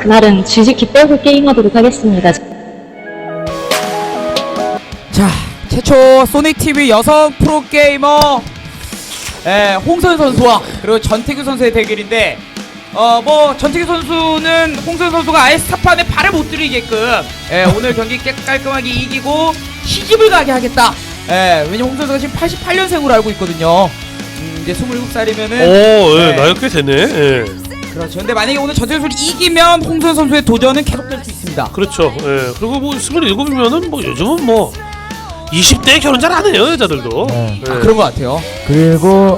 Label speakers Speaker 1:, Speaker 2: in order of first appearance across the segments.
Speaker 1: 그날은 지지키 빼고 게임하도록 하겠습니다.
Speaker 2: 자, 최초 소닉TV 여성 프로게이머 홍선 선수와 그리고 전태규 선수의 대결인데 뭐 전태규 선수는 홍선 선수가 아예 스타판에 발을 못 들이게끔 오늘 경기 깔끔하게 이기고 시집을 가게 하겠다. 왜냐면 홍선 선수가 지금 88년생으로 알고 있거든요. 이제 27살이면은
Speaker 3: 나이가 꽤 되네. 예.
Speaker 2: 그렇죠. 근데 만약에 오늘 전태규 선수를 이기면 홍선 선수의 도전은 계속될 수 있습니다.
Speaker 3: 그렇죠. 예. 그리고 뭐 27이면은 뭐 요즘은 뭐 20대에 결혼 잘 안 해요, 여자들도.
Speaker 4: 네.
Speaker 3: 예.
Speaker 2: 그런 것 같아요.
Speaker 4: 그리고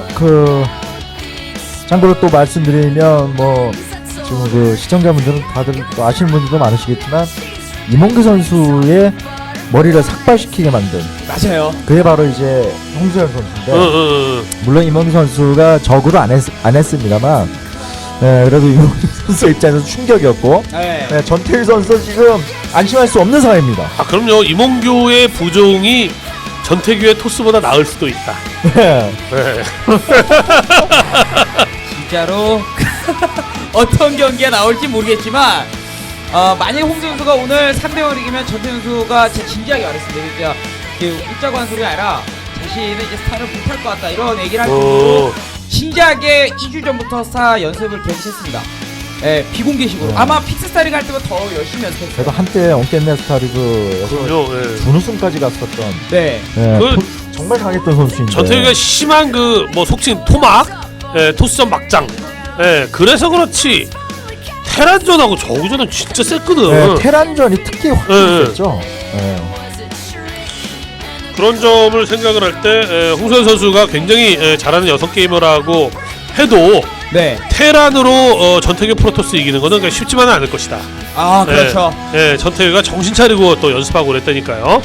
Speaker 4: 참고로 또 말씀드리면 뭐 지금 그 시청자분들은 다들 또 아시는 분들도 많으시겠지만 이몽규 선수의 머리를 삭발시키게 만든
Speaker 2: 맞아요.
Speaker 4: 그게 바로 이제 홍수현 선수인데 물론 이몽규 선수가 적으로 안 했습니다만 그래도 이몽규 선수 입장에서 충격이었고 전태일 선수 지금 안심할 수 없는 상황입니다.
Speaker 3: 아 그럼요. 이몽규의 부종이 전태규의 토스보다 나을 수도 있다.
Speaker 4: 네.
Speaker 3: 네.
Speaker 2: 진짜로 어떤 경기가 나올지 모르겠지만 만약에 홍수 선수가 오늘 3대0을 이기면 전태규 선수가 진짜 진지하게 말했습니다. 진짜 웃자고 하는 소리가 아니라 자신은 이제 스타를 못할 것 같다 이런 얘기를 할 정도로 진지하게 2주 전부터 스타 연습을 계속했습니다. 비공개식으로. 아마 픽스스타리그 할 때보다 더 열심히 연습했어요.
Speaker 4: 그래도 한때 엉깼네 스타리그에서 준우승까지 갔었던 정말 강했던 선수인데
Speaker 3: 전태규가 심한 그 뭐 속칭 토막 토스전 막장 그래서 그렇지 테란전하고 저우전은 진짜 셌거든.
Speaker 4: 테란전이 특히 확실했죠.
Speaker 3: 그런 점을 생각을 할 때 홍선 선수가 굉장히 잘하는 여성 게이머라고 해도 테란으로 전태규 프로토스 이기는 거는 그냥 쉽지만은 않을 것이다.
Speaker 2: 아 그렇죠.
Speaker 3: 전태규가 정신 차리고 또 연습하고 그랬다니까요.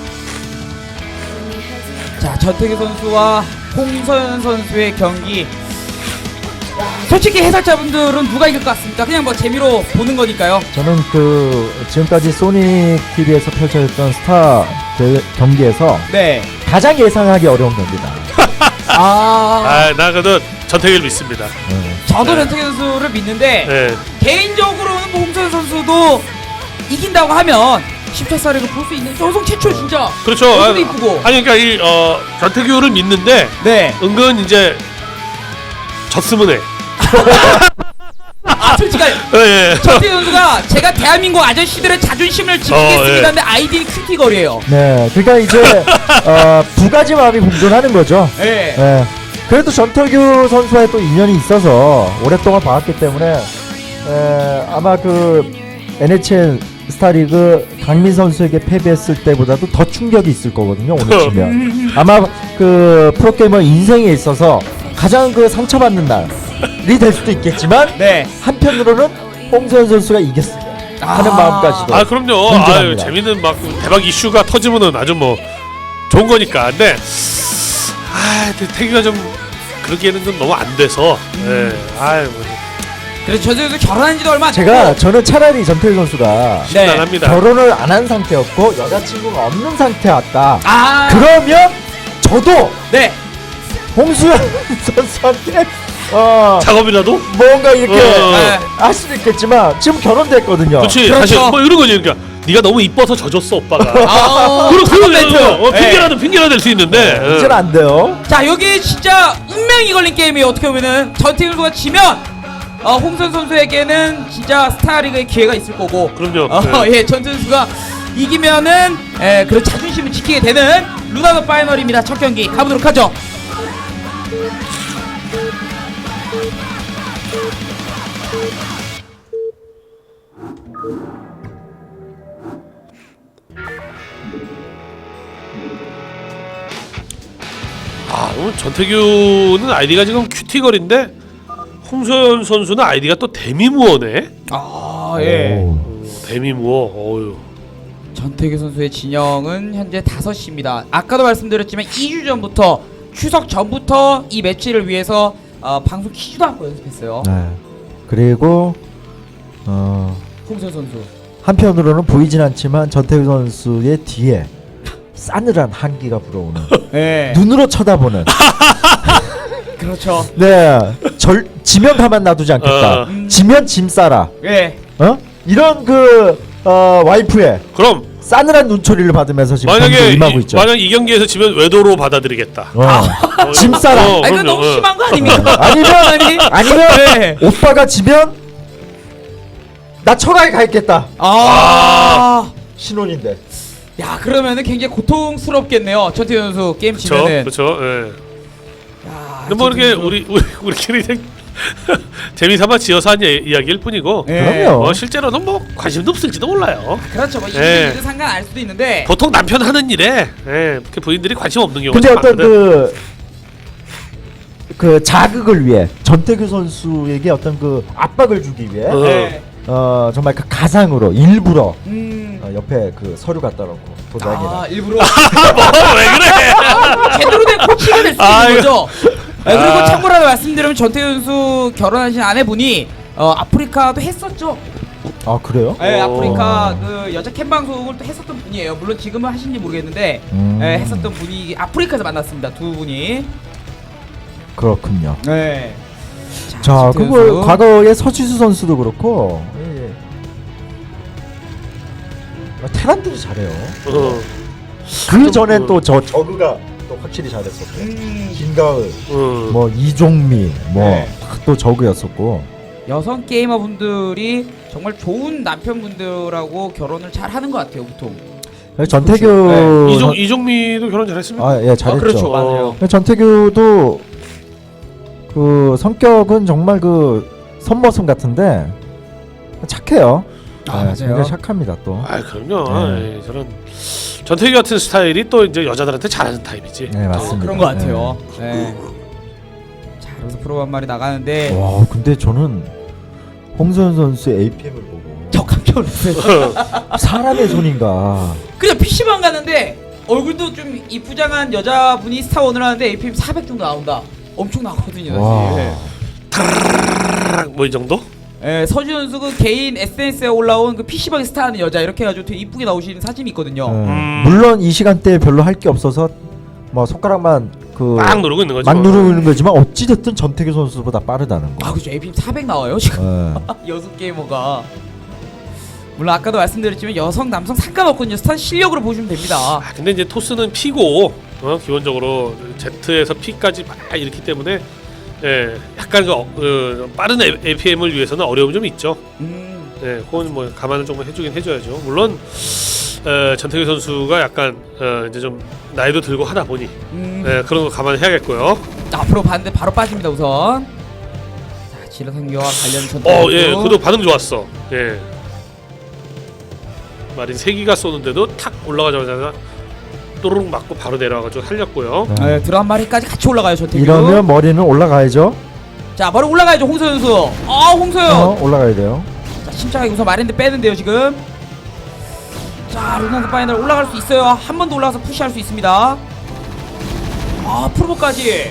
Speaker 2: 자, 전태규 선수와 홍서연 선수의 경기. 솔직히 해설자분들은 누가 이길 것 같습니까? 그냥 뭐 재미로 보는 거니까요.
Speaker 4: 저는 지금까지 소닉 TV에서 펼쳐졌던 스타 경기에서 가장 예상하기 어려운 경기다.
Speaker 3: 나 그래도 전태규를 믿습니다.
Speaker 2: 저도 전태규 선수를 믿는데 개인적으로는 뭐 홍서연 선수도 이긴다고 하면 10차 스타리그 볼 수 있는 여성 최초 진짜.
Speaker 3: 그렇죠.
Speaker 2: 얼굴도 이쁘고.
Speaker 3: 아니 그러니까 이 전태규를 믿는데 은근 이제 졌으면 해.
Speaker 2: 솔직히 전태규 선수가 제가 대한민국 아저씨들의 자존심을 지키겠습니다 하는데 아이디는 큐티거리예요.
Speaker 4: 네, 그러니까 이제 두 가지 마음이 공존하는 거죠. 그래도 전태규 선수와의 또 인연이 있어서 오랫동안 봐왔기 때문에 아마 NHL 스타리그 강민 선수에게 패배했을 때보다도 더 충격이 있을 거거든요. 오늘 치면 아마 프로게이머 인생에 있어서 가장 상처받는 날이 될 수도 있겠지만 한편으로는 홍서연 선수가 이겼으면 하는 마음까지도
Speaker 3: 그럼요. 재밌는 막 대박 이슈가 터지면은 아주 뭐 좋은 거니까. 근데 태규가 좀 그러기에는 좀 너무 안 돼서
Speaker 2: 그래서 전태규 선수 결혼한 지도 얼마 안 됐고
Speaker 4: 저는 차라리 전태규 선수가
Speaker 3: 심란합니다.
Speaker 4: 결혼을 안 한 상태였고 여자친구가 없는 상태였다. 그러면 저도 홍수연 선수한테
Speaker 3: 작업이라도
Speaker 4: 뭔가 이렇게 할 수도 있겠지만 지금 결혼됐거든요.
Speaker 3: 그렇지.
Speaker 2: 그렇죠.
Speaker 3: 사실 뭐 이런 거지. 그러니까 네가 너무 이뻐서 져줬어 오빠가. 그런 핑계가 될 수 있는데
Speaker 4: 이제는 안 돼요.
Speaker 2: 자, 여기 진짜 운명이 걸린 게임이에요. 어떻게 보면은 전태규 선수가 지면 홍선 선수에게는 진짜 스타리그의 기회가 있을 거고.
Speaker 3: 그럼요.
Speaker 2: 전태규 선수가 이기면은 그런 자존심을 지키게 되는 루나더 파이널입니다. 첫 경기 가보도록 하죠.
Speaker 3: 오늘 전태규는 아이디가 지금 큐티걸인데 홍서연 선수는 아이디가 또 데미무어네. 데미무어. 어휴.
Speaker 2: 전태규 선수의 진영은 현재 5시입니다. 아까도 말씀드렸지만 2주 전부터 추석 전부터 이 매치를 위해서 방송 키지도 않고 연습했어요.
Speaker 4: 그리고
Speaker 2: 홍선 선수
Speaker 4: 한편으로는 보이진 않지만 전태규 선수의 뒤에 싸늘한 한기가 불어오는 눈으로 쳐다보는
Speaker 2: 그렇죠.
Speaker 4: 지면 가만 놔두지 않겠다. 지면 짐 싸라. 이런 그 와이프의
Speaker 3: 그럼
Speaker 4: 싸늘한 눈초리를 받으면서 지금 경기에 임하고 있죠.
Speaker 3: 만약 이 경기에서 지면 외도로 받아들이겠다.
Speaker 4: 짐싸라.
Speaker 2: 이거 너무 심한 거 아닙니까?
Speaker 4: 아니면
Speaker 2: 네.
Speaker 4: 오빠가 지면 나 천하에 가 있겠다. 신혼인데.
Speaker 2: 야, 그러면은 굉장히 고통스럽겠네요. 전태규 선수 게임 지면은.
Speaker 3: 그렇죠. 예.
Speaker 2: 야,
Speaker 3: 근데 뭐 이렇게
Speaker 2: 선수.
Speaker 3: 우리끼리 재미삼아 지어서 한 이야기일 뿐이고.
Speaker 2: 예.
Speaker 4: 그럼요.
Speaker 3: 실제로는 뭐 관심도 없을지도 몰라요.
Speaker 2: 그렇죠. 뭐
Speaker 3: 예.
Speaker 2: 일은 상관 알 수도 있는데.
Speaker 3: 보통 남편 하는 일에 그 부인들이 관심 없는 경우가
Speaker 4: 근데
Speaker 3: 좀
Speaker 4: 어떤
Speaker 3: 많거든.
Speaker 4: 그 자극을 위해 전태규 선수에게 어떤 그 압박을 주기 위해
Speaker 2: 네.
Speaker 4: 정말 그 가상으로 일부러
Speaker 2: 옆에
Speaker 4: 그 서류 갖다 놓고 도장이나
Speaker 2: 일부러
Speaker 3: 왜 그래?
Speaker 2: 제대로 된 코치가 될 수
Speaker 3: 아,
Speaker 2: 있는 거죠. 그리고 참고로 하나 말씀드리면 전태규 선수 결혼하신 아내분이 아프리카도 했었죠.
Speaker 4: 아 그래요?
Speaker 2: 네, 아프리카 그 여자 캠 방송을 또 했었던 분이에요. 물론 지금은 하신지 모르겠는데 했었던 분이 아프리카에서 만났습니다. 두 분이.
Speaker 4: 그렇군요.
Speaker 2: 네.
Speaker 4: 자,
Speaker 2: 전태규
Speaker 4: 그거
Speaker 2: 선수.
Speaker 4: 과거에 서지수 선수도 그렇고 테란들이 잘해요. 그 전엔 또 저 저그가 또 확실히 잘했었고 김가을, 뭐 이종미,
Speaker 2: 네.
Speaker 4: 또 저그였었고.
Speaker 2: 여성 게이머 분들이 정말 좋은 남편분들하고 결혼을 잘 하는 것 같아요, 보통.
Speaker 4: 전태규
Speaker 3: 이종미도 결혼 잘했습니까?
Speaker 4: 아, 예, 잘했죠.
Speaker 2: 그렇죠, 맞아요.
Speaker 4: 전태규도 그 성격은 정말 그 선머슴 같은데 착해요.
Speaker 2: 맞아요.
Speaker 4: 굉장히 착합니다 또.
Speaker 3: 그럼요.
Speaker 4: 네.
Speaker 3: 저는 전태규 같은 스타일이 또 이제 여자들한테 잘하는 타입이지.
Speaker 4: 네, 맞습니다.
Speaker 2: 그런 것 같아요. 네. 자, 그래서 프로 한 마리 나가는데
Speaker 4: 와, 근데 저는 홍선 선수의 APM을 보고
Speaker 2: 저 깜짝 놀랐어요.
Speaker 4: 사람의 손인가.
Speaker 2: 그냥 PC방 갔는데 얼굴도 좀 이쁘장한 여자분이 스타원을 하는데 APM 400 정도 나온다. 엄청 나거든요.
Speaker 4: 와.
Speaker 2: 사실.
Speaker 3: 뭐 이 정도?
Speaker 2: 예, 서지 선수 그 개인 SNS에 올라온 그 PC방에 스타하는 여자 이렇게 해가지고 되게 이쁘게 나오시는 사진이 있거든요.
Speaker 4: 물론 이 시간대에 별로 할 게 없어서 뭐 손가락만
Speaker 3: 막 누르고 있는 거죠.
Speaker 4: 막 누르고 있는 거지만 어찌 됐든 전태규 선수보다 빠르다는 거.
Speaker 2: 아, 그죠. APM 400 나와요 지금. 여성 게이머가. 물론 아까도 말씀드렸지만 여성 남성 상관없거든요. 스타 실력으로 보시면 됩니다.
Speaker 3: 근데 이제 토스는 P고 기본적으로 Z에서 P까지 막 이렇기 때문에 약간 빠른 APM을 위해서는 어려움이 좀 있죠. 그건 뭐 감안을 조금 해주긴 해줘야죠. 물론 전태규 선수가 약간 이제 좀 나이도 들고 하다 보니 그런 거 감안해야겠고요.
Speaker 2: 앞으로 봤는데 바로 빠집니다 우선. 자, 지라 상교와 관련 전투.
Speaker 3: 그도 반응 좋았어. 마린 3기가 쏘는데도 탁 올라가자마자 또르륵 맞고 바로 내려와가지고 살렸고요.
Speaker 2: 드럼 한 마리까지 같이 올라가요 전태규.
Speaker 4: 이러면 머리는 올라가야죠.
Speaker 2: 자, 바로 올라가야죠 홍서연 선수. 홍서연.
Speaker 4: 올라가야 돼요.
Speaker 2: 자, 침착하게 우선 마린드 빼는데요 지금. 자, 루나드 파이널 올라갈 수 있어요. 한 번 더 올라가서 푸시할 수 있습니다. 프로보까지.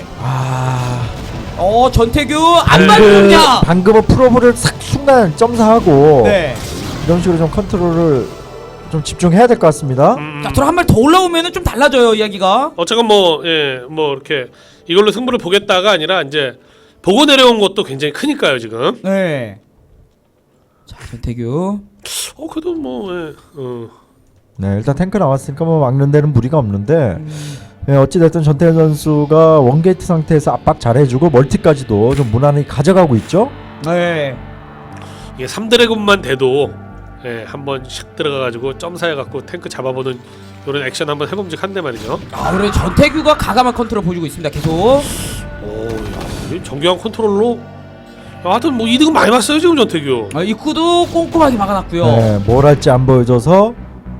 Speaker 2: 전태규 안 맞느냐?
Speaker 4: 방금은 프로브를 싹 순간 점사하고
Speaker 2: 네.
Speaker 4: 이런 식으로 좀 컨트롤을 좀 집중해야 될 것 같습니다.
Speaker 2: 자, 드럼 한 발 더 올라오면은 좀 달라져요 이야기가.
Speaker 3: 어쨌건 뭐 이렇게 이걸로 승부를 보겠다가 아니라 이제 보고 내려온 것도 굉장히 크니까요 지금.
Speaker 2: 네. 자, 전태규.
Speaker 3: 그래도 뭐
Speaker 4: 네, 일단 탱크 나왔으니까 뭐 막는 데는 무리가 없는데 어찌됐든 전태현 선수가 원게이트 상태에서 압박 잘해주고 멀티까지도 좀 무난히 가져가고 있죠.
Speaker 2: 네.
Speaker 3: 이게 3드래곤만 돼도 한번 샥 들어가가지고 점사해갖고 탱크 잡아보는 이런 액션 한번 해봄직한데 말이죠.
Speaker 2: 그래 전태규가 가감한 컨트롤 보여주고 있습니다 계속.
Speaker 3: 이 정교한 컨트롤로 하여튼 뭐 이득은 많이 봤어요 지금 전태규.
Speaker 2: 입구도 꼼꼼하게 막아놨고요.
Speaker 4: 네, 뭘 할지 안 보여줘서.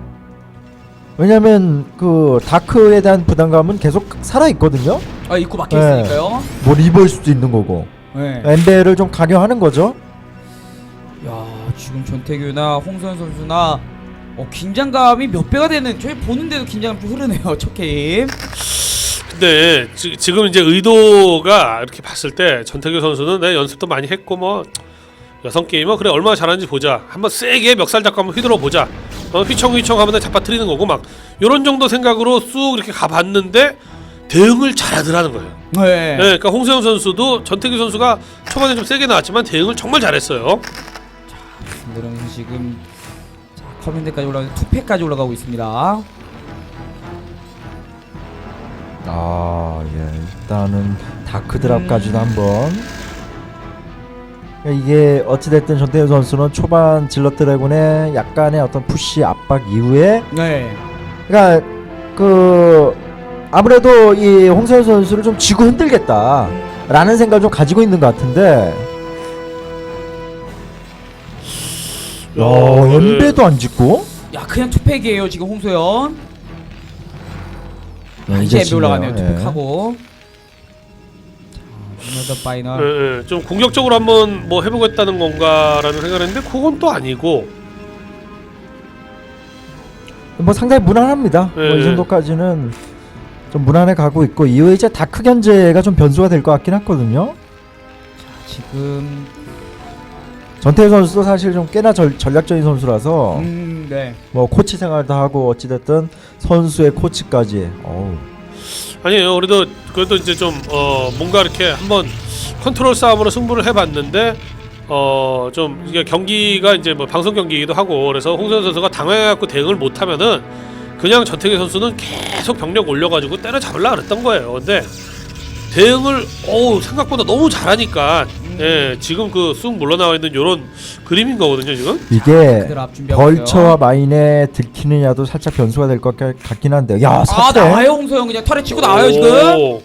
Speaker 4: 왜냐면 그 다크에 대한 부담감은 계속 살아 있거든요.
Speaker 2: 입구 막혀 있으니까요.
Speaker 4: 뭐 리버일 수도 있는 거고.
Speaker 2: 네.
Speaker 4: 엠베를 좀 강요하는 거죠.
Speaker 2: 야, 지금 전태규나 홍선 선수나 긴장감이 몇 배가 되는, 저희 보는데도 긴장감 좀 흐르네요 첫 게임.
Speaker 3: 근데 지금 이제 의도가 이렇게 봤을 때 전태규 선수는 내 연습도 많이 했고 뭐 여성 게이머 그래 얼마나 잘하는지 보자, 한번 세게 멱살 잡고 한번 휘둘러 보자, 휘청휘청 하면 잡아뜨리는 거고 막 요런 정도 생각으로 쑥 이렇게 가봤는데 대응을 잘하더라는 거예요.
Speaker 2: 네.
Speaker 3: 그러니까 홍세영 선수도 전태규 선수가 초반에 좀 세게 나왔지만 대응을 정말 잘했어요.
Speaker 2: 그러면서 지금 자, 커맨드까지 올라가고 투패까지 올라가고 있습니다.
Speaker 4: 일단은 다크드랍까지도 한번. 이게 어찌됐든 전태우 선수는 초반 질럿 드래곤의 약간의 어떤 푸시 압박 이후에,
Speaker 2: 네.
Speaker 4: 그러니까 그 아무래도 이 홍세현 선수를 좀 쥐고 흔들겠다라는 생각을 좀 가지고 있는 것 같은데, 연배도 안 짓고.
Speaker 2: 야, 그냥 투팩이에요 지금 홍소연.
Speaker 4: 이제
Speaker 2: 이제 올라가네요.
Speaker 4: 짓네요.
Speaker 2: 투팩하고. 자, 파이널.
Speaker 3: 예, 좀 공격적으로 한번 뭐 해보겠다는 건가라는 생각했는데 그건 또 아니고.
Speaker 4: 뭐 상당히 무난합니다.
Speaker 3: 네.
Speaker 4: 뭐 이 정도까지는 좀 무난해 가고 있고, 이후에 이제 다크 견제가 좀 변수가 될 것 같긴 하거든요.
Speaker 2: 지금
Speaker 4: 전태우 선수도 사실 좀 꽤나 전략적인 선수라서
Speaker 2: 네.
Speaker 4: 뭐 코치 생활도 하고 어찌됐든 선수의 코치까지.
Speaker 3: 아니에요. 그래도 이제 좀 뭔가 이렇게 한번 컨트롤 싸움으로 승부를 해봤는데 좀 이게 경기가 이제 뭐 방송 경기이기도 하고 그래서 홍선 선수가 당황해갖고 대응을 못하면은 그냥 전태규 선수는 계속 병력 올려가지고 때려잡으려 그랬던 거예요. 근데 대응을 생각보다 너무 잘하니까 지금 그 쑥 물러나와 있는 요런 그림인 거거든요 지금.
Speaker 4: 이게
Speaker 2: 그들 앞 준비하고
Speaker 4: 벌처와
Speaker 2: 있어요.
Speaker 4: 마인에 들키느냐도 살짝 변수가 될 것 같긴 한데, 야,
Speaker 2: 아,
Speaker 4: 사태.
Speaker 2: 나와요 홍소영. 그냥 털에 치고 나와요 지금.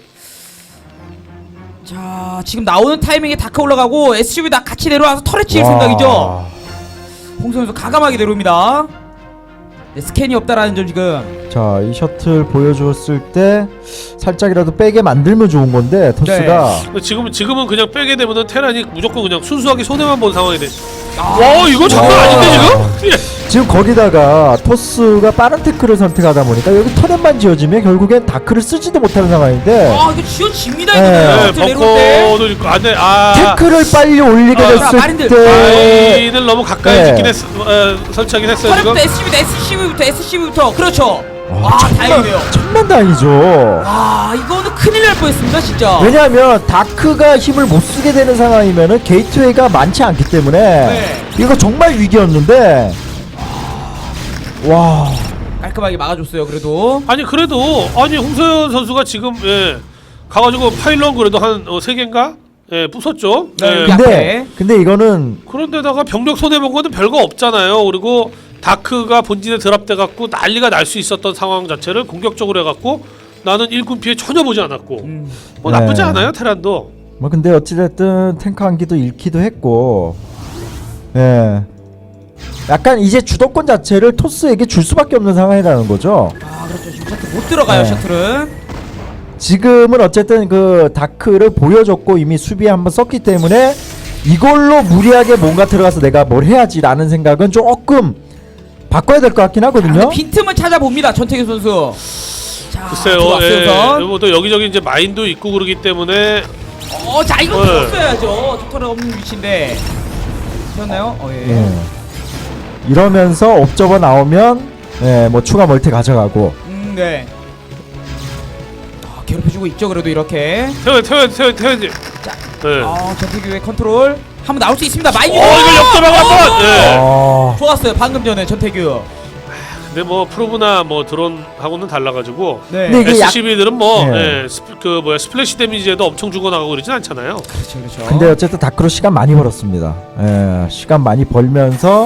Speaker 2: 자, 지금 나오는 타이밍에 다크 올라가고 SCV 다 같이 내려와서 털에 칠 생각이죠. 홍소영 선수 가감하게 내려옵니다. 네, 스캔이 없다라는 점 지금.
Speaker 4: 자, 이 셔틀 보여줬을 때 살짝이라도 빼게 만들면 좋은 건데 토스가.
Speaker 3: 지금은 그냥 빼게 되면은 테란이 무조건 그냥 순수하게 손해만 본 상황이 돼.
Speaker 2: 아,
Speaker 3: 이거 장난 아닌데 지금?
Speaker 4: 지금 거기다가 토스가 빠른 태클을 선택하다 보니까 여기 터렛만 지어지면 결국엔 다크를 쓰지도 못하는 상황인데,
Speaker 2: 아, 이거 지어집니다
Speaker 4: 네,
Speaker 2: 이거. 내려올 때.
Speaker 3: 벙커도 있고 안돼.
Speaker 4: 태클을 빨리 올리게
Speaker 2: 자,
Speaker 4: 됐을
Speaker 2: 마린들.
Speaker 4: 때
Speaker 3: 라인을 너무 가까이
Speaker 4: 네.
Speaker 3: 짓긴 설치하긴 했어요 지금.
Speaker 2: 털에부터 SCV부터 그렇죠. 다행이네요.
Speaker 4: 천만다행이죠.
Speaker 2: 이거는 큰일 날 뻔했습니다 진짜.
Speaker 4: 왜냐하면 다크가 힘을 못 쓰게 되는 상황이면은 게이트웨이가 많지 않기 때문에
Speaker 2: 네.
Speaker 4: 이거 정말 위기였는데, 와,
Speaker 2: 깔끔하게 막아줬어요 그래도.
Speaker 3: 그래도 홍서연 선수가 지금 가가지고 파일럿 그래도 한 3개인가 부쉈죠.
Speaker 2: 네.
Speaker 4: 근데 이거는
Speaker 3: 그런데다가 병력 손해본 거는 별거 없잖아요. 그리고 다크가 본진에 드랍돼 갖고 난리가 날 수 있었던 상황 자체를 공격적으로 해갖고 나는 일군 피해 전혀 보지 않았고 뭐 나쁘지
Speaker 4: 네.
Speaker 3: 않아요 테란도.
Speaker 4: 뭐 근데 어찌됐든 탱크 한 기도 잃기도 했고, 약간 이제 주도권 자체를 토스에게 줄 수밖에 없는 상황이라는 거죠.
Speaker 2: 그렇죠. 지금 셔틀 못 들어가요
Speaker 4: 네.
Speaker 2: 셔틀은.
Speaker 4: 지금은 어쨌든 그 다크를 보여줬고 이미 수비에 한번 썼기 때문에 이걸로 무리하게 뭔가 들어가서 내가 뭘 해야지라는 생각은 조금 바꿔야 될 것 같긴 하거든요.
Speaker 2: 빈틈은 찾아봅니다 전태규 선수. 자,
Speaker 3: 글쎄요. 뭐또 여기저기 이제 마인도 있고 그러기 때문에
Speaker 2: 자 이거 들었어야죠. 셔틀은 없는 위치인데. 되었나요?
Speaker 4: 이러면서 옵저버 나오면 뭐 추가 멀티 가져가고.
Speaker 2: 네. 괴롭혀주고 있죠 그래도 이렇게.
Speaker 3: 태워야지.
Speaker 2: 자,
Speaker 3: 네.
Speaker 2: 전태규의 컨트롤 한번 나올 수 있습니다. 마이.
Speaker 3: 이걸 역전하고 한번.
Speaker 2: 좋았어요 방금 전에 전태규.
Speaker 3: 근데 뭐 프로브나 뭐 드론하고는 달라가지고
Speaker 2: 네.
Speaker 4: 근데 이게
Speaker 3: SCB들은 뭐
Speaker 4: 네.
Speaker 3: 스플래시 데미지에도 엄청 주고 나가고 그러진 않잖아요.
Speaker 2: 그렇죠.
Speaker 4: 근데 어쨌든 다크로 시간 많이 벌었습니다. 시간 많이 벌면서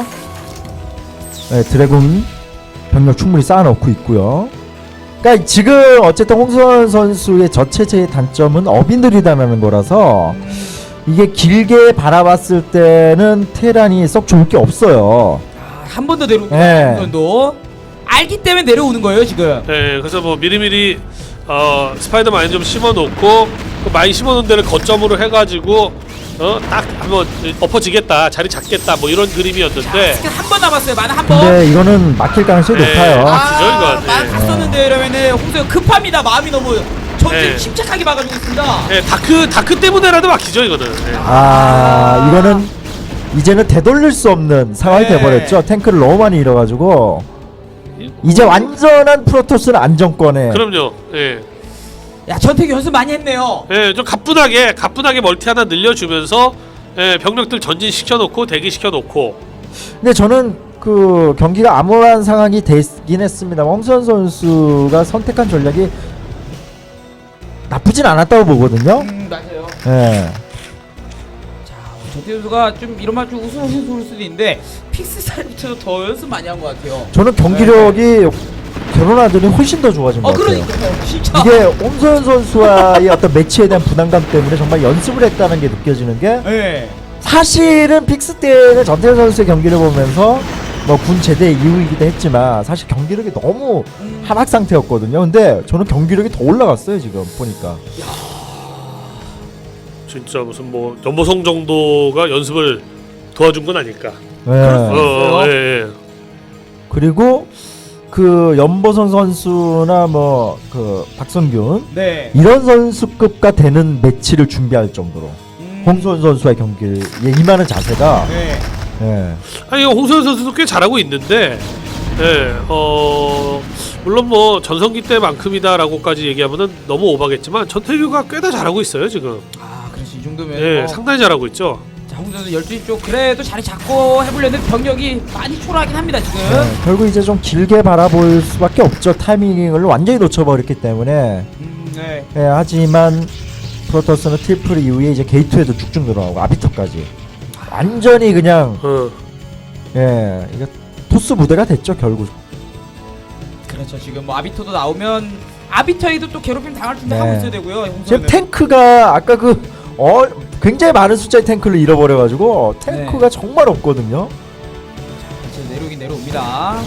Speaker 4: 드래곤 병력 충분히 쌓아놓고 있고요. 그러니까 지금 어쨌든 홍수원 선수의 저체제의 단점은 업이 느리다는 거라서 이게 길게 바라봤을 때는 테란이 썩 좋을 게 없어요.
Speaker 2: 한 번 더 내려오고
Speaker 4: 네.
Speaker 2: 도 알기 때문에 내려오는 거예요 지금.
Speaker 3: 네, 그래서 뭐 미리미리 스파이더 마인 좀 심어놓고 그 마인 심어놓은 데를 거점으로 해가지고 딱 한번 엎어지겠다, 자리 잡겠다, 뭐 이런 그림이었는데.
Speaker 2: 한 번 남았어요. 만화 한 번.
Speaker 4: 근데 이거는 막힐 가능성이 높아요.
Speaker 3: 기죠 이거.
Speaker 2: 만화 다 썼는데 이러면은 홍수가 급합니다. 마음이 너무 전진
Speaker 3: 네.
Speaker 2: 침착하게 막아주고 있습니다.
Speaker 3: 네, 다크 때문에라도 막히죠 이거는. 네.
Speaker 4: 이거는 이제는 되돌릴 수 없는 상황이
Speaker 2: 네.
Speaker 4: 돼버렸죠. 탱크를 너무 많이 잃어가지고 이제 완전한 프로토스는 안정권에.
Speaker 3: 그럼요. 예.
Speaker 2: 야 전태규 연습 많이 했네요.
Speaker 3: 예, 좀 가뿐하게 멀티 하나 늘려주면서 병력들 전진 시켜놓고 대기 시켜놓고.
Speaker 4: 근데 저는 그 경기가 암울한 상황이 되긴 했습니다만 홍수현 선수가 선택한 전략이 나쁘진 않았다고 보거든요.
Speaker 2: 맞아요.
Speaker 4: 예.
Speaker 2: 전태규 선수가 좀 이런 말 좀 우스워서 볼 수도 있는데 픽스 사이부터 더 연습 많이 한 것 같아요.
Speaker 4: 저는 경기력이 결혼하더니 훨씬 더 좋아진 것 같아요.
Speaker 2: 그러니까요. 진짜.
Speaker 4: 이게 홍소연 선수와의 어떤 매치에 대한 부담감 때문에 정말 연습을 했다는 게 느껴지는 게
Speaker 2: 네.
Speaker 4: 사실은 픽스 때는 전태현 선수의 경기를 보면서 뭐 군 제대 이후이기도 했지만 사실 경기력이 너무 하락 상태였거든요. 근데 저는 경기력이 더 올라갔어요 지금 보니까.
Speaker 3: 진짜 무슨 뭐 연보성 정도가 연습을 도와준 건 아닐까.
Speaker 4: 네.
Speaker 3: 예.
Speaker 4: 그리고 그 연보선 선수나 뭐 그 박성균
Speaker 2: 네.
Speaker 4: 이런 선수급과 되는 매치를 준비할 정도로 홍소연 선수의 경기에 임하는 자세가
Speaker 2: 네.
Speaker 4: 예.
Speaker 3: 아니 홍소연 선수도 꽤 잘하고 있는데, 물론 뭐 전성기 때만큼이다라고까지 얘기하면은 너무 오바겠지만 전태규가 꽤 다 잘하고 있어요 지금.
Speaker 2: 아, 그렇지 이 정도면.
Speaker 3: 예, 상당히 잘하고 있죠.
Speaker 2: 자, 홍선수 12시 쪽 그래도 자리 잡고 해보려는 병력이 많이 초라하긴 합니다 지금.
Speaker 4: 결국 이제 좀 길게 바라볼 수밖에 없죠. 타이밍을 완전히 놓쳐버렸기 때문에.
Speaker 2: 네.
Speaker 4: 예, 하지만 프로토스는 트리플 이후에 이제 게이트에도 쭉쭉 들어가고 아비터까지 완전히 그냥 예, 이게 토스 무대가 됐죠 결국.
Speaker 2: 그렇죠. 지금 뭐 아비터도 나오면 아비터에도 또 괴롭힘 당할 준비
Speaker 4: 네.
Speaker 2: 하고 있어야 되고요. 홍선수는.
Speaker 4: 지금 탱크가 아까 굉장히 많은 숫자의 탱크를 잃어버려가지고 탱크가 정말 없거든요.
Speaker 2: 지금 내려오긴 내려옵니다.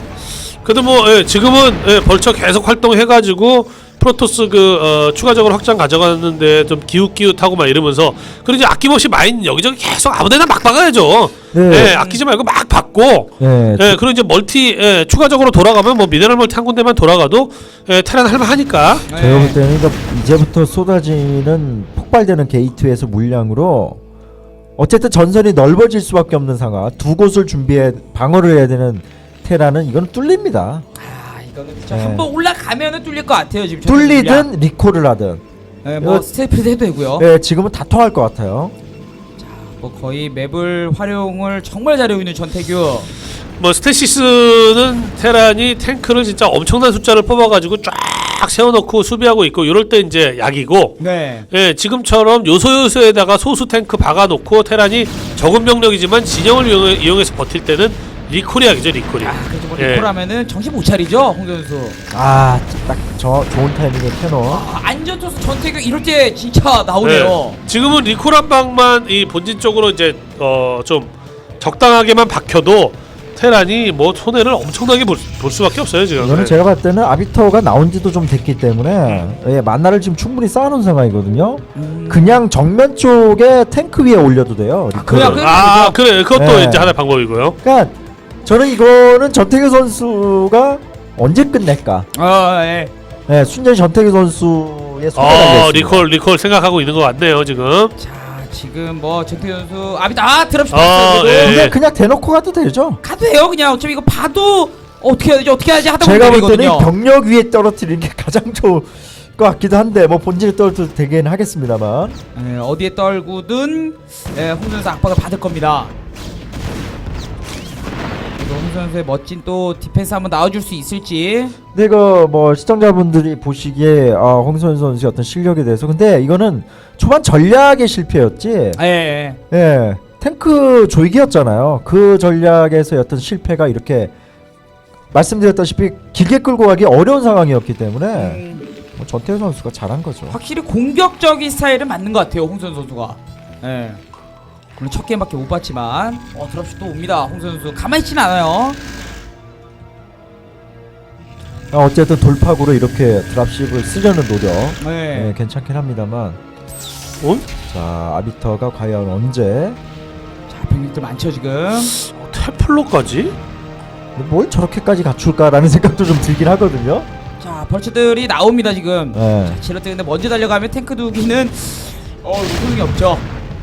Speaker 3: 그래도 뭐 지금은 벌처 계속 활동해가지고 프로토스 추가적으로 확장 가져가는데 좀 기웃기웃하고 막 이러면서 그리고 이제 아낌없이 마인 여기저기 계속 아무데나 막 박아야죠.
Speaker 4: 네.
Speaker 3: 아끼지 말고 막 박고.
Speaker 4: 네.
Speaker 3: 그리고 이제 멀티 추가적으로 돌아가면 뭐 미네랄 멀티 한 군데만 돌아가도 테란 할만하니까.
Speaker 4: 제가 볼 때는 이제부터 쏟아지는 폭발되는 게이트에서 물량으로 어쨌든 전선이 넓어질 수밖에 없는 상황. 두 곳을 방어를 해야 되는 테라는 이건 뚫립니다.
Speaker 2: 이거는 진짜
Speaker 4: 네.
Speaker 2: 한번 올라가면은 뚫릴 것 같아요 지금.
Speaker 4: 뚫리든 리콜을 하든.
Speaker 2: 네, 뭐 스테이프도 해도 되고요.
Speaker 4: 네, 지금은 다 통할 것 같아요.
Speaker 2: 뭐 거의 맵을 활용을 정말 잘하고 있는 전태규.
Speaker 3: 뭐 스테시스는 테란이 탱크를 진짜 엄청난 숫자를 뽑아가지고 쫙 세워놓고 수비하고 있고 이럴 때 이제 약이고.
Speaker 2: 네.
Speaker 3: 예, 지금처럼 요소요소에다가 소수 탱크 박아놓고 테란이 적은 병력이지만 진영을 이용해서 버틸 때는 리콜이 약이죠 리콜이.
Speaker 2: 그래서 뭐 리콜하면은 정신 못 차리죠 홍선수.
Speaker 4: 딱 저 좋은 타이밍에 캐논.
Speaker 2: 안전투수 전태규 이럴 때 진짜 나오네요.
Speaker 3: 지금은 리콜 한 방만 이 본진 쪽으로 이제 좀 적당하게만 박혀도 테란이 뭐 손해를 엄청나게 볼 수밖에 없어요 지금.
Speaker 4: 이거는 제가 봤을 때는 아비터가 나온지도 좀 됐기 때문에 만나를 지금 충분히 쌓아놓은 상황이거든요. 그냥 정면 쪽에 탱크 위에 올려도 돼요. 리콜을.
Speaker 3: 그래 그것도
Speaker 4: 네.
Speaker 3: 이제 하나의 방법이고요.
Speaker 4: 그러니까 저는 이거는 전태규 선수가 언제 끝낼까? 네, 순전히 전태규 선수의 손에 달려있습니다.
Speaker 3: 리콜 생각하고 있는 것 같네요 지금.
Speaker 2: 자 지금 뭐 전태규 선수 드랍십
Speaker 4: 그냥 대놓고 가도 되죠.
Speaker 2: 가도 돼요 그냥. 어차피 이거 봐도 어떻게 해야지 하다 보면
Speaker 4: 제가 볼 때는
Speaker 2: 되거든요.
Speaker 4: 병력 위에 떨어뜨리는 게 가장 좋을 것 같기도 한데 뭐 본질에 떨어뜨려도 되긴 하겠습니다만.
Speaker 2: 어디에 떨구든 홍선수 압박을 받을 겁니다. 홍선수의 멋진 또 디펜스 한번 나와줄 수 있을지.
Speaker 4: 근데 이거 뭐 시청자분들이 보시기에 홍선 선수의 어떤 실력에 대해서 근데 이거는 초반 전략의 실패였지.
Speaker 2: 예.
Speaker 4: 탱크 조이기였잖아요. 그 전략에서 어떤 실패가 이렇게 말씀드렸다시피 길게 끌고 가기 어려운 상황이었기 때문에 뭐 전태현 선수가 잘한 거죠.
Speaker 2: 확실히 공격적인 스타일은 맞는 것 같아요 홍선 선수가. 물론 첫 게임밖에 못 봤지만 드랍슛 또 옵니다. 홍선 선수 가만히 있진 않아요.
Speaker 4: 어쨌든 돌파구로 이렇게 드랍십을 쓰려는 노력 괜찮긴 합니다만. 자 아비터가 과연 언제?
Speaker 2: 자 병력들 많죠 지금.
Speaker 3: 테플러까지?
Speaker 4: 뭘 저렇게까지 갖출까라는 생각도 좀 들긴 하거든요.
Speaker 2: 자 벌처들이 나옵니다 지금.
Speaker 4: 네.
Speaker 2: 자 지렛대 근데 먼저 달려가면 탱크 두기는 소용이 없죠.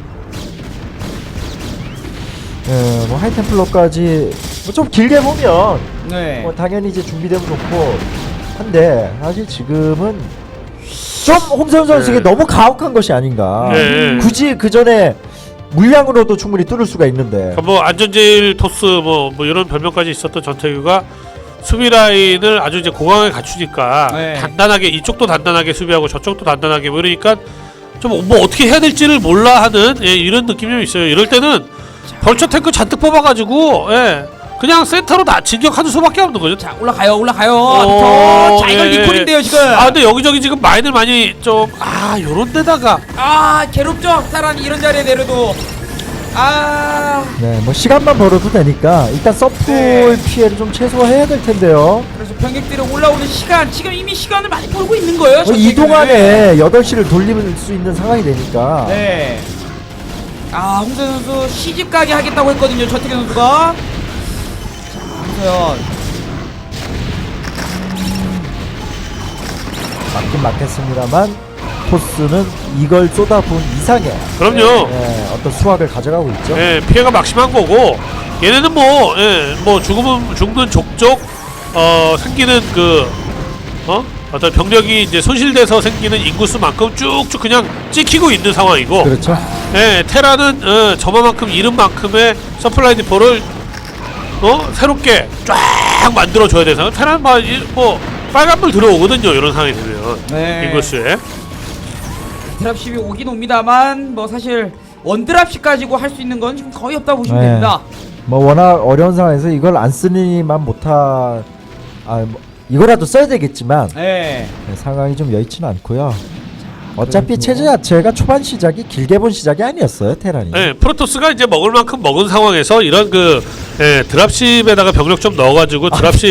Speaker 4: 뭐 하이템플러까지 뭐 좀 길게 보면
Speaker 2: 네.
Speaker 4: 당연히 이제 준비되면 좋고 한데 사실 지금은 좀 홍선 선수에게 너무 가혹한 것이 아닌가. 굳이 그 전에 물량으로도 충분히 뚫을 수가 있는데.
Speaker 3: 뭐 안전제일 토스 뭐 이런 별명까지 있었던 전태규가 수비 라인을 아주 이제 고강하게 갖추니까
Speaker 2: 네.
Speaker 3: 단단하게 이쪽도 단단하게 수비하고 저쪽도 단단하게 뭐 이러니까 좀 뭐 어떻게 해야 될지를 몰라 하는 이런 느낌이 좀 있어요. 이럴 때는 벌처 탱크 잔뜩 뽑아가지고 그냥 센터로 다 진격하는 수밖에 없는 거죠.
Speaker 2: 자, 올라가요. 자, 이건
Speaker 3: 예.
Speaker 2: 리콜인데요, 지금.
Speaker 3: 근데 여기저기 지금 마인을 많이 좀 요런 데다가
Speaker 2: 괴롭죠. 테란이 이런 자리에 내려도.
Speaker 4: 네, 뭐 시간만 벌어도 되니까 일단 서플
Speaker 2: 네.
Speaker 4: 피해를 좀 최소화해야 될 텐데요.
Speaker 2: 그래서 병력들이 올라오는 시간, 지금 이미 시간을 많이 벌고 있는 거예요.
Speaker 4: 이 동안에 8시를 돌릴 수 있는 상황이 되니까.
Speaker 2: 네. 홍서현 선수 시집 가게 하겠다고 했거든요. 전태규 선수가. 자, 홍서현.
Speaker 4: 맞긴 맞겠습니다만 토스는 이걸 쏟아부은 이상의
Speaker 3: 그럼요.
Speaker 4: 어떤 수확을 가져가고 있죠.
Speaker 3: 피해가 막심한 거고 얘네는 뭐 죽는 족족 생기는 어떤 병력이 이제 손실돼서 생기는 인구수만큼 쭉쭉 그냥 찍히고 있는 상황이고.
Speaker 4: 그렇죠.
Speaker 3: 테라는 저만큼 잃은 만큼의 서플라이 디포를 새롭게 쫙 만들어줘야 돼서 테라는 뭐 빨간불 들어오거든요. 이런 상황이 되면 인구수에.
Speaker 2: 드랍십이 오긴 옵니다만 뭐 사실 원드랍십 가지고 할 수 있는 건 지금 거의 없다고 보시면 됩니다.
Speaker 4: 뭐 워낙 어려운 상황에서 이걸 안 쓰니만 못하 뭐 이거라도 써야 되겠지만 상황이 좀 여의치는 않고요. 어차피 체제 자체가 초반 시작이 길게 본 시작이 아니었어요, 테란이.
Speaker 3: 프로토스가 이제 먹을 만큼 먹은 상황에서 이런 드랍십에다가 병력 좀 넣어가지고 드랍십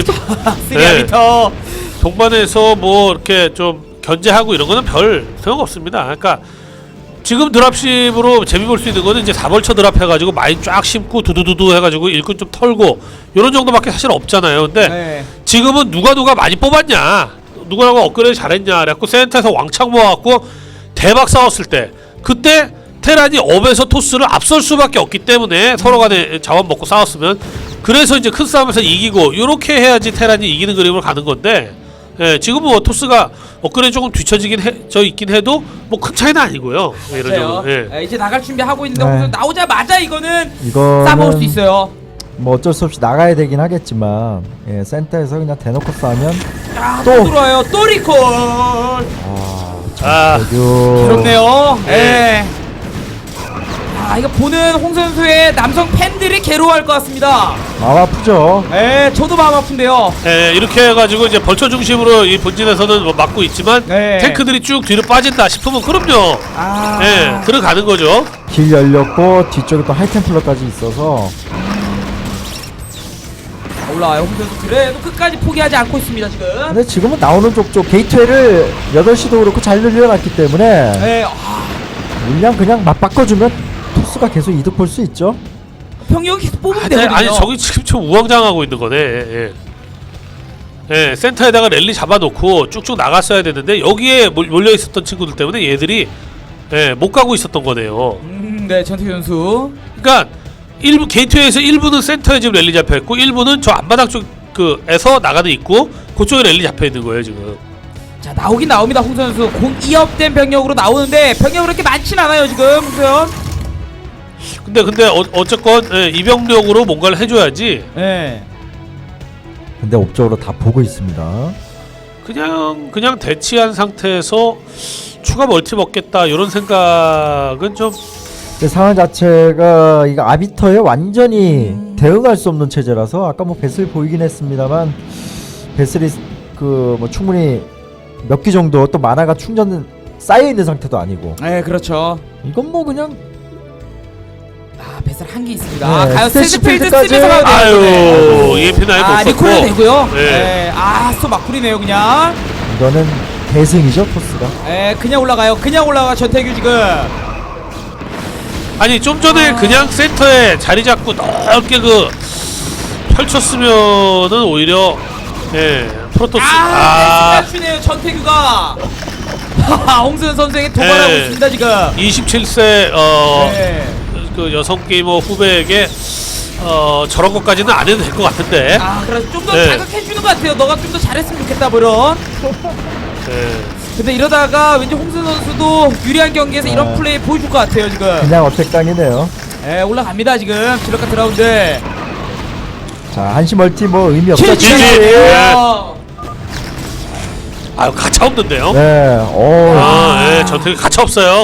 Speaker 3: 동반해서 뭐 이렇게 좀 견제하고 이런 거는 별 소용 없습니다. 그러니까 지금 드랍십으로 재미 볼 수 있는 거는 이제 4벌처 드랍 해가지고 마인 쫙 심고 두두두두 해가지고 일꾼 좀 털고 이런 정도밖에 사실 없잖아요. 근데 지금은 누가 많이 뽑았냐, 누가 업그레이드 잘했냐, 그래갖고 센터에서 왕창 모아갖고 대박 싸웠을 때 그때 테란이 업에서 토스를 앞설 수밖에 없기 때문에 서로 간에 자원 먹고 싸웠으면 그래서 이제 큰 싸움에서 이기고 요렇게 해야지 테란이 이기는 그림으로 가는 건데 지금 뭐 토스가 업그레이드 조금 뒤처지긴 있긴 해도 뭐 큰 차이는 아니고요. 이런 정도.
Speaker 2: 이제 나갈 준비하고 있는데 나오자마자 이거는 싸먹을 수 있어요.
Speaker 4: 뭐 어쩔 수 없이 나가야 되긴 하겠지만 센터에서 그냥 대놓고 싸면
Speaker 2: 또 들어와요. 또 리콜. 괴롭네요. 이거 보는 홍 선수의 남성 팬들이 괴로워할 것 같습니다.
Speaker 4: 마음 아프죠.
Speaker 2: 저도 마음 아픈데요.
Speaker 3: 이렇게 해가지고 이제 벌처 중심으로 이 본진에서는 뭐 막고 있지만 탱크들이 쭉 뒤로 빠진다 싶으면 그럼요. 들어가는 거죠.
Speaker 4: 길 열렸고 뒤쪽에 또 하이템플러까지 있어서
Speaker 2: 올라와요. 홍 선수 그래도 끝까지 포기하지 않고 있습니다 지금.
Speaker 4: 근데 지금은 나오는 쪽 게이트웨이를 8시도 그렇고 잘 늘려놨기 때문에 물량 그냥 맞바꿔주면 토스가 계속 이득 볼 수 있죠.
Speaker 2: 병력이 계속 뽑으면 되거든요.
Speaker 3: 아니 저기 지금 좀 우왕좌왕하고 있는 거네. 센터에다가 랠리 잡아놓고 쭉쭉 나갔어야 되는데 여기에 몰려 있었던 친구들 때문에 얘들이 못 가고 있었던 거네요.
Speaker 2: 네, 전태규 선수.
Speaker 3: 그러니까 일부 게이트웨이에서 일부는 센터에 지금 랠리 잡혀 있고 일부는 저 앞마당 쪽에서 나가는 있고 그쪽에 랠리 잡혀 있는 거예요 지금.
Speaker 2: 자, 나오긴 나옵니다. 홍 선수 공 2업된 병력으로 나오는데 병력이 그렇게 많진 않아요 지금 홍선.
Speaker 3: 근데 어쨌건 이병력으로 뭔가를 해줘야지.
Speaker 4: 근데 업적으로 다 보고 있습니다.
Speaker 3: 그냥 대치한 상태에서 추가 멀티 먹겠다 이런 생각은 좀.
Speaker 4: 상황 자체가 이거 아비터에 완전히 대응할 수 없는 체제라서 아까 뭐 배슬 보이긴 했습니다만 배슬이 뭐 충분히 몇 기 정도 또 만화가 충전 쌓여 있는 상태도 아니고.
Speaker 2: 그렇죠.
Speaker 4: 이건 뭐 그냥
Speaker 2: 배슬 한 개 있습니다. 가요.
Speaker 4: 스테이시필드까지.
Speaker 2: 쓰면서 가야 돼요.
Speaker 3: EMP 나이 못 썼고.
Speaker 2: 리콜도 되고요. 또 막구리네요 그냥.
Speaker 4: 이거는 대승이죠 토스가.
Speaker 2: 그냥 올라가요. 그냥 올라가 전태규 지금.
Speaker 3: 아니 좀 전에 그냥 센터에 자리 잡고 넓게 펼쳤으면은 오히려 프로토스
Speaker 2: 시네요 전태규가. 홍수현 선수에게 도발하고 있습니다 지금.
Speaker 3: 27세 그 여성 게이머 후배에게 저런 것까지는 안 해도 될 것 같은데.
Speaker 2: 그래서 좀 더 자극해주는 것 같아요. 너가 좀 더 잘했으면 좋겠다 뭐 이런. 근데 이러다가 왠지 홍순 선수도 유리한 경기에서 이런 플레이 보여줄 것 같아요 지금.
Speaker 4: 그냥 어택당이네요.
Speaker 2: 예, 올라갑니다 지금 지력가 드라운드.
Speaker 4: 자, 한시 멀티 뭐 의미 없죠.
Speaker 2: 지지.
Speaker 3: 아유 가차 없는데요.
Speaker 4: 네,
Speaker 3: 예, 전투기 가차 없어요.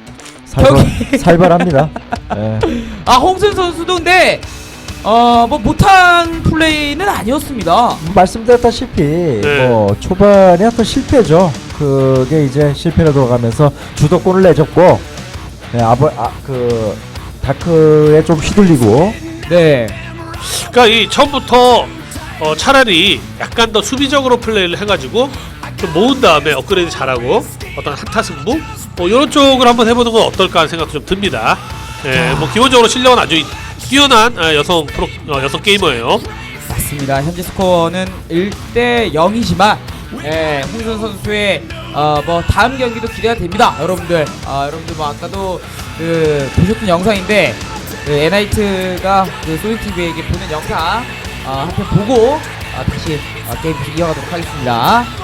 Speaker 4: 살벌합니다. 네.
Speaker 2: 아 홍순 선수도 근데 뭐 못한 플레이는 아니었습니다.
Speaker 4: 말씀드렸다시피 뭐 초반에 어떤 실패죠. 그게 이제 실패로 돌아가면서 주도권을 내줬고, 네, 그 다크에 좀 휘둘리고.
Speaker 2: 네.
Speaker 3: 그러니까 이 처음부터 차라리 약간 더 수비적으로 플레이를 해가지고 좀 모은 다음에 업그레이드 잘하고 어떤 한타 승부 뭐 이런 쪽을 한번 해보는 건 어떨까 하는 생각도 좀 듭니다. 예, 뭐 기본적으로 실력은 아주 뛰어난 여성 게이머예요.
Speaker 2: 맞습니다. 현재 스코어는 1대 0이지만 홍순 선수의 뭐 다음 경기도 기대가 됩니다. 여러분들 여러분들 뭐 아까도 그 보셨던 영상인데 그 에나이트가 그 소닉TV에게 보낸 영상 한편 보고 다시 게임 이어가도록 하겠습니다.